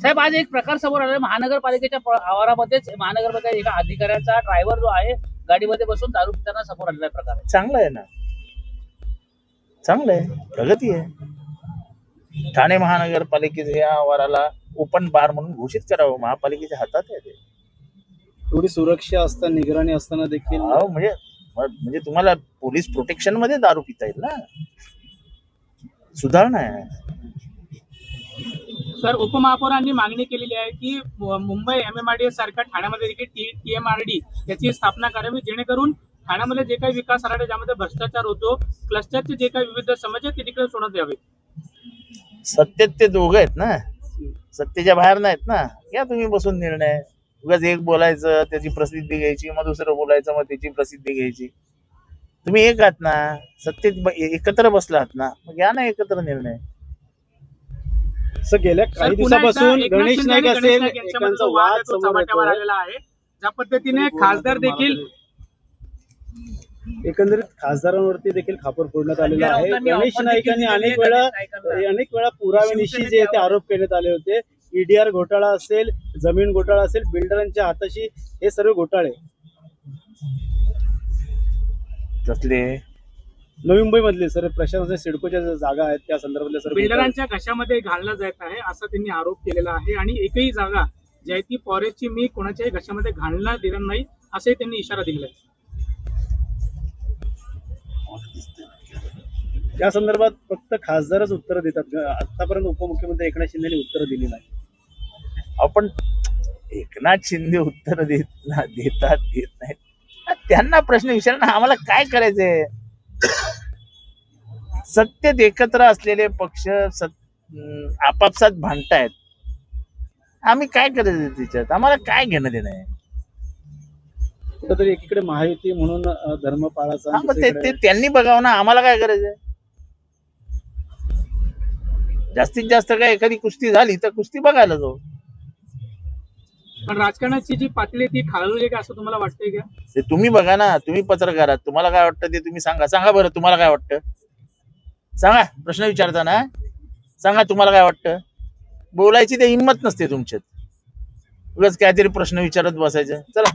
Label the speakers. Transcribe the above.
Speaker 1: साहेब, आज एक प्रकार समोर आला महानगरपालिकेच्या आवारामध्येच महानगरपालिका एका अधिकाऱ्याचा ड्रायव्हर जो आहे गाडीमध्ये बसून दारू पिताना समोर आलेला प्रकार आहे.
Speaker 2: चांगलं आहे ना, चांगलं आहे, प्रगती आहे. ठाणे महानगरपालिकेच्या या आवाराला ओपन बार म्हणून घोषित करावं, महापालिकेच्या हातात आहे ते.
Speaker 3: थोडी सुरक्षा असताना, निगराणी असताना देखील
Speaker 2: म्हणजे तुम्हाला पोलीस प्रोटेक्शन मध्ये दारू पिता येईल ना, सुधारणा आहे.
Speaker 4: सर, उपमहापौरांनी मागणी केलेली आहे की मुंबई MMRDA सारख्या ठाण्यामध्ये देखील TMRD याची स्थापना करावी, जेणेकरून ठाण्यामध्ये जे काही विकास आराखडा ज्यामध्ये भ्रष्टाचार होतो, क्लस्टरचे जे काही विविध समस्या ते तिकडे सोडवण्यात यावे.
Speaker 2: सत्तेत ते दोघं आहेत ना, सत्तेच्या बाहेर नाहीत ना. घ्या तुम्ही बसून निर्णय. उगाच एक बोलायचं त्याची प्रसिद्धी घ्यायची, मग दुसरं बोलायचं मग त्याची प्रसिद्धी घ्यायची. तुम्ही एक आहात ना, सत्तेत एकत्र बसलात ना, मग घ्या ना एकत्र निर्णय.
Speaker 3: असं गेल्या काही दिवसापासून गणेश नाईक असेल
Speaker 4: यांचा वाद चव्हाट्यावर आलेला आहे. ज्या पद्धतीने खासदार देखील
Speaker 3: एकंदरीत खासदारांवरती देखील खापर फोडण्यात आलेला आहे. गणेश नाईकांनी अनेक वेळा पुराव्यानिशी जे ते आरोप करण्यात आले होते. EDR घोटाळा असेल, जमीन घोटाळा असेल, बिल्डरांच्या हाताशी हे सर्व घोटाळे.
Speaker 2: कसले
Speaker 3: नवी मुंबई मधले सर प्रशासनाच्या सिडकोच्या जागा आहेत त्या संदर्भातल्या सर्व
Speaker 4: बिल्डरांच्या घशामध्ये घालला जात आहे असा त्यांनी आरोप केलेला आहे. आणि एकही जागा जी आहे ती फॉरेस्टची मी कोणाच्याही घशामध्ये घालणार देणार नाही असंही त्यांनी इशारा दिलेला आहे.
Speaker 3: या संदर्भात फक्त खासदारच उत्तर देतात. आतापर्यंत उपमुख्यमंत्री एकनाथ शिंदेने उत्तर दिली नाही.
Speaker 2: आपण एकनाथ शिंदे उत्तर देतात देत नाहीत, त्यांना प्रश्न विचारणं आम्हाला काय करायचंय. सत्तेत एकत्र असलेले पक्ष आपापसात भांडतायत, आम्ही काय करायचं त्याच्यात, आम्हाला काय घेणं देणं आहे.
Speaker 3: कुठेतरी एकीकडे महायुती म्हणून धर्मपाळाचा
Speaker 2: ते त्यांनी बघावं ना, आम्हाला काय करायचंय. जास्तीत जास्त काय एखादी कुस्ती झाली तर कुस्ती बघायला जाऊ.
Speaker 4: पण राजकारणाची जी पातळी ती खालवली का असं तुम्हाला वाटतंय का?
Speaker 2: ते तुम्ही बघा ना, तुम्ही पत्रकार आहात, तुम्हाला काय वाटतं ते तुम्ही सांगा बरं. तुम्हाला काय वाटतं सांगा, प्रश्न विचारताना सांगा तुम्हाला काय वाटतं. बोलायची ते हिंमत नसते तुमच्यात, उगाच काहीतरी प्रश्न विचारत बसायचं. चला.